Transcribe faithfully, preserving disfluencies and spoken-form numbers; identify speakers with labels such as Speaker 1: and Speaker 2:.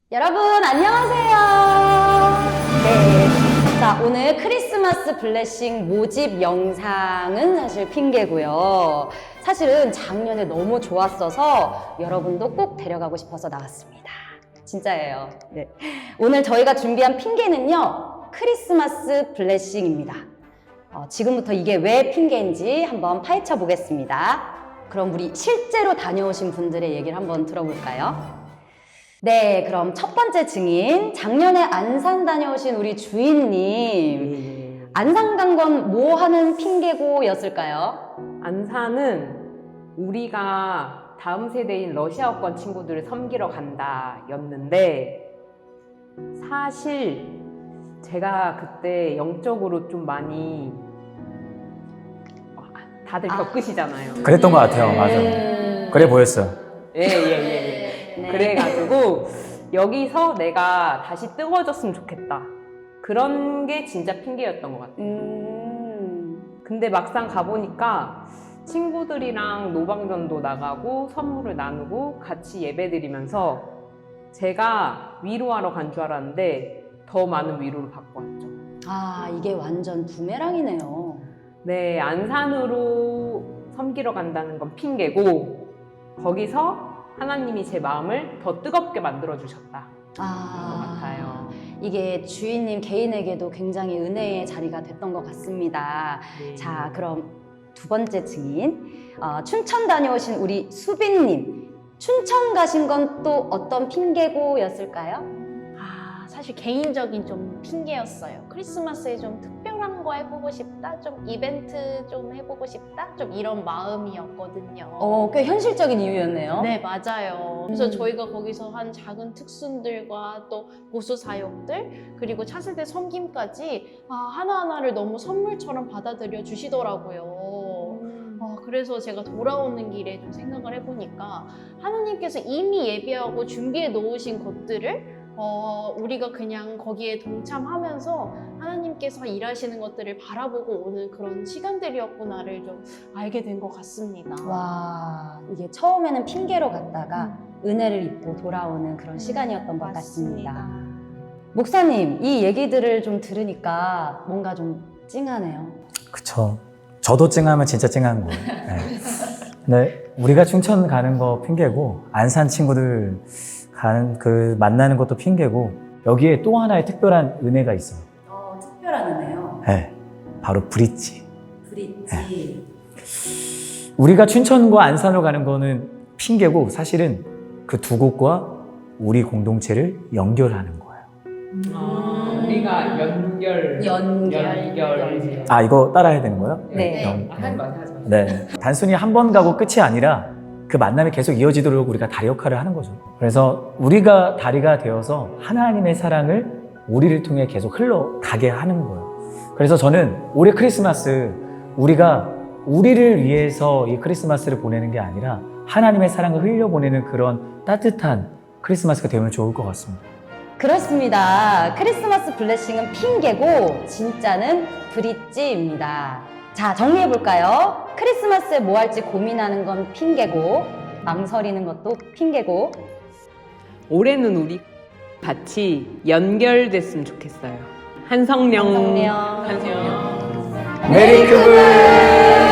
Speaker 1: 여러분 안녕하세요. 네, 자 오늘 크리스마스 블레싱 모집 영상은 사실 핑계고요. 사실은 작년에 너무 좋았어서 여러분도 꼭 데려가고 싶어서 나왔습니다. 진짜예요. 네. 오늘 저희가 준비한 핑계는요, 크리스마스 블레싱입니다. 어, 지금부터 이게 왜 핑계인지 한번 파헤쳐 보겠습니다. 그럼 우리 실제로 다녀오신 분들의 얘기를 한번 들어볼까요? 네, 그럼 첫 번째 증인, 작년에 안산 다녀오신 우리 주인님. 안산 간 건 뭐 하는 핑계고였을까요?
Speaker 2: 안산은 우리가 다음 세대인 러시아어권 친구들을 섬기러 간다 였는데, 사실 제가 그때 영적으로 좀 많이 다들
Speaker 1: 아.
Speaker 2: 겪으시잖아요.
Speaker 3: 그랬던 것 같아요. 맞아.
Speaker 1: 음...
Speaker 3: 그래 보였어요.
Speaker 2: 예, 예, 예, 예.
Speaker 1: 네.
Speaker 2: 그래가지고 여기서 내가 다시 뜨거워졌으면 좋겠다. 그런 게 진짜 핑계였던 것 같아요.
Speaker 1: 음...
Speaker 2: 근데 막상 가보니까 친구들이랑 노방전도 나가고 선물을 나누고 같이 예배드리면서 제가 위로하러 간 줄 알았는데 더 많은 위로를 받고 왔죠.
Speaker 1: 아, 이게 완전 부메랑이네요.
Speaker 2: 네, 안산으로 섬기러 간다는 건 핑계고, 거기서 하나님이 제 마음을 더 뜨겁게 만들어주셨다.
Speaker 1: 아,
Speaker 2: 것 같아요.
Speaker 1: 이게 주인님 개인에게도 굉장히 은혜의 자리가 됐던 것 같습니다.
Speaker 2: 네.
Speaker 1: 자, 그럼 두 번째 증인, 어, 춘천 다녀오신 우리 수빈님. 춘천 가신 건 또 어떤 핑계고였을까요?
Speaker 4: 아, 사실 개인적인 좀 핑계였어요. 크리스마스에 좀 특별한 거 해보고 싶다, 좀 이벤트 좀 해보고 싶다, 좀 이런 마음이었거든요.
Speaker 1: 어, 꽤 현실적인 이유였네요.
Speaker 4: 네, 맞아요. 그래서
Speaker 1: 음.
Speaker 4: 저희가 거기서 한 작은 특순들과 또 보수 사역들, 그리고 차세대 섬김까지 아, 하나하나를 너무 선물처럼 받아들여 주시더라고요. 어, 그래서 제가 돌아오는 길에 좀 생각을 해보니까 하나님께서 이미 예비하고 준비해 놓으신 것들을 어, 우리가 그냥 거기에 동참하면서 하나님께서 일하시는 것들을 바라보고 오는 그런 시간들이었구나를 좀 알게 된 것 같습니다.
Speaker 1: 와, 이게 처음에는 핑계로 갔다가 은혜를 입고 돌아오는 그런 시간이었던 것
Speaker 4: 음. 맞습니다.
Speaker 1: 같습니다. 목사님, 이 얘기들을 좀 들으니까 뭔가 좀 찡하네요.
Speaker 3: 그쵸. 저도 찡하면 진짜 찡한 거예요. 네. 근데 우리가 춘천 가는 거 핑계고, 안산 친구들 가는 그 만나는 것도 핑계고, 여기에 또 하나의 특별한 은혜가 있어요.
Speaker 1: 어, 특별한 은혜요.
Speaker 3: 네. 바로 브릿지.
Speaker 1: 브릿지.
Speaker 3: 우리가 춘천과 안산으로 가는 거는 핑계고, 사실은 그 두 곳과 우리 공동체를 연결하는 거예요.
Speaker 2: 아, 우리가 연결,
Speaker 1: 연결.
Speaker 2: 연결.
Speaker 3: 아, 이거 따라해야 되는 거예요?
Speaker 1: 네.
Speaker 3: 연-
Speaker 2: 아, 하지 마세요, 하지 마세요.
Speaker 3: 네. 단순히 한 번 가고 끝이 아니라 그 만남이 계속 이어지도록 우리가 다리 역할을 하는 거죠. 그래서 우리가 다리가 되어서 하나님의 사랑을 우리를 통해 계속 흘러가게 하는 거예요. 그래서 저는 올해 크리스마스 우리가 우리를 위해서 이 크리스마스를 보내는 게 아니라 하나님의 사랑을 흘려보내는 그런 따뜻한 크리스마스가 되면 좋을 것 같습니다.
Speaker 1: 그렇습니다. 크리스마스 블레싱은 핑계고 진짜는 브릿지입니다. 자, 정리해볼까요? 크리스마스에 뭐 할지 고민하는 건 핑계고, 망설이는 것도 핑계고.
Speaker 2: 올해는 우리 같이 연결됐으면 좋겠어요. 한성령.
Speaker 1: 한성령.
Speaker 2: 한성령.
Speaker 3: 메리 크리스마스!